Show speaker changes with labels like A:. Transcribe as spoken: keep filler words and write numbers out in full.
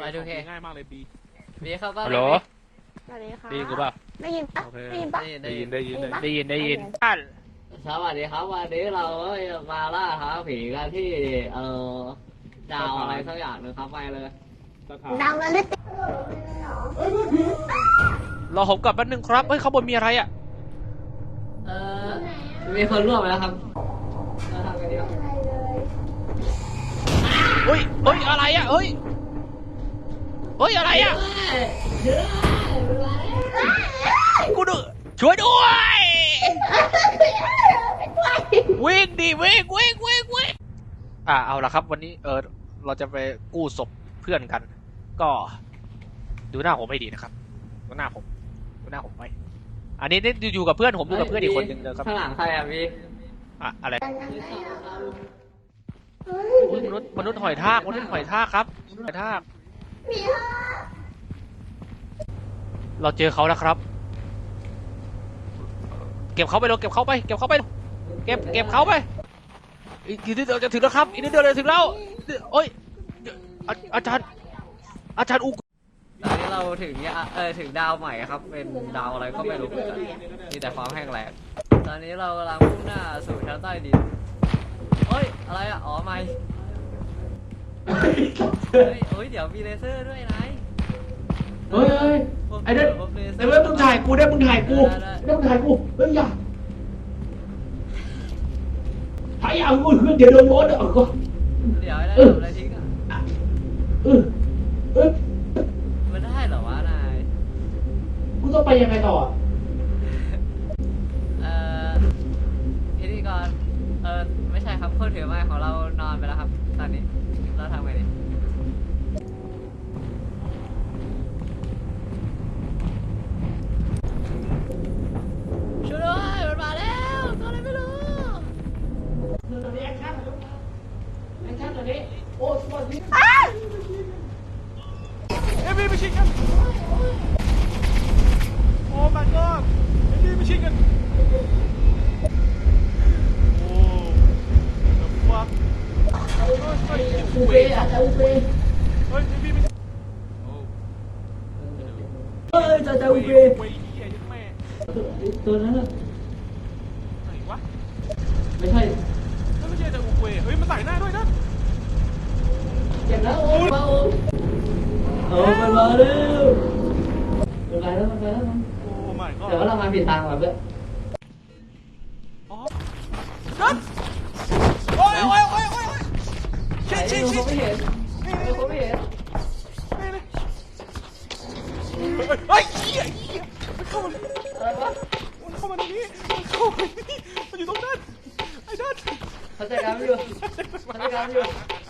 A: ดูเค
B: ง่ายมากเลยบี
A: บีเข้าบ้าน
C: ฮัลโหล
D: สวัสดีค่ะ
C: ได้ยินกูเปล่า
D: ได้ยินปะ
C: โอเค
D: ได้ยินปะ
B: ได้ยินได้ยิน
C: ได้ยินได้ยินท่าน
A: สวัสดีครับวันนี้เราก็มาล่าท้าผีกันที่เอ่อดาวอะไรสักอย่างหนึงครับไปเลย
B: สถาน
D: ดังแล้วได้
C: รอผมกลับแป๊บนึงครับเฮ้ยข้างบนมีอะไรอ่ะ
A: เอ่อมีคนร่วมไปแล้วครับเราทำกันดีครับ
C: เฮ้ยเฮ้ยอะไรอ่ะเฮ้ยเฮ้ยอะไรอ่ะกูดูช่วยด้วยวิ่งดิวิ่งวิ่งวิ่งวิ่งอ่าเอาละครับวันนี้เออเราจะไปกู้ศพเพื่อนกัน ก็ดูหน้าผมให้ดีนะครับดูหน้าผมดูหน้าผมไว้อันนี้นี่อยู่กับเพื่อนผมอยู่กับเพื่อนอีกคนหนึ่งนะครับ
A: ข้างหลังใครอ่ะพี่
C: อะอะไรอุ๊ยมนุษย์มนุษย์หอยทากมนุษย์หอยทากครับมนุษย์หอยทากเราเจอเขาแล้วครับ เก็บเขาไปเลยเก็บเขาไปเก็บเขาไปเก็บเก็บเขาไปอีกทีนิดเดียวจะถึงแล้วครับอีกนิดเดียวจะถึงแล้วโอ้ยอาอาจารย์อาจารย์อุ
A: ตอนนี้เราถึงยาเออถึงดาวใหม่ครับ เป็นดาวอะไรก็ไม่รู้เหมือนกันมีแต่ความแห้งแล้งตอนนี้เรากำลังมุ่งหน้าสู่ชั้นใต้ดินเฮ้ยอะไรอ่ะอ๋อไม่เฮ้ยเฮ้ยเดี๋ยวมีเลเซอร์ด้วยนาย
E: เฮ้ยเฮ้ยไอ้เด็ดไอ้เว้ยมึงถ่ายกูได้มึงถ่ายกูได้มึงถ่ายกูเฮ้ยอย่าถ่ายเอากูเดี๋ยวโดนโดนเดี๋ยวก็
A: เดี๋ยวได้ทำอะไรทิ้งอ่ะ
E: เออเออ
A: มันได้เหรอวะนาย
E: กูต้องไปยังไงต่อ
A: เอ่อพิธีกรเออไม่ใช่ครับคนถือไม้ของเรานอนไปแล้วครับตอนนี้เราทำไงดีช่วยด้วยมันมาแล้วตัวอะไรไม่รู้
E: ตอนนี้แอคชั่นแอคชั่นตอนนี้โอ้สวัสดี
B: เอ็มบีไปชิงกันโอ้ my god เอ็มบีไปชิงกันโอ้ the fuck เฮ้ยเฮ้ย
E: อูเบย์อาจารย์อูเบย์
B: เฮ้ยเอ็มบีไปโอ้
E: เฮ้ยอาจารย์อูเบย์
B: เว้ยเหี้ยยัดแม่
E: ตัวนั้นน่ะ
B: ไหนวะ
E: ไม่ใช่
B: นั่นไม่ใช่แต่อุกเวยเฮ้ยมันใส่หน้าด้วยนะ
E: เจ็บแล้วโอ้ยมาโอ้โอ้มันมาแล้วมันไปแล้วมันไปแล้ว
B: โอ้ my god
A: เดี๋ยวเรามาผิดทางก่อนเพื่อน
B: อ๋อนั่นโอ้ยโอ้ยโอ้ยโอ้ยโอ้ย
A: ไอ้
B: ชิงชิง
A: เขา
B: ชิง
A: ไม่เห็นไอ้เขาไม่เห็น
B: นี่นี่เฮ้ยเหี้ยเหี้ยมันเข้ามา
A: อะไรวะ
B: มันเข้ามาตรงนี้มันเข้ามาตรงนี้มันอยู่ตรงนั้นไอ้นั่น
A: เขาจัดการไม่อยู่เขาจัดการไม่อยู่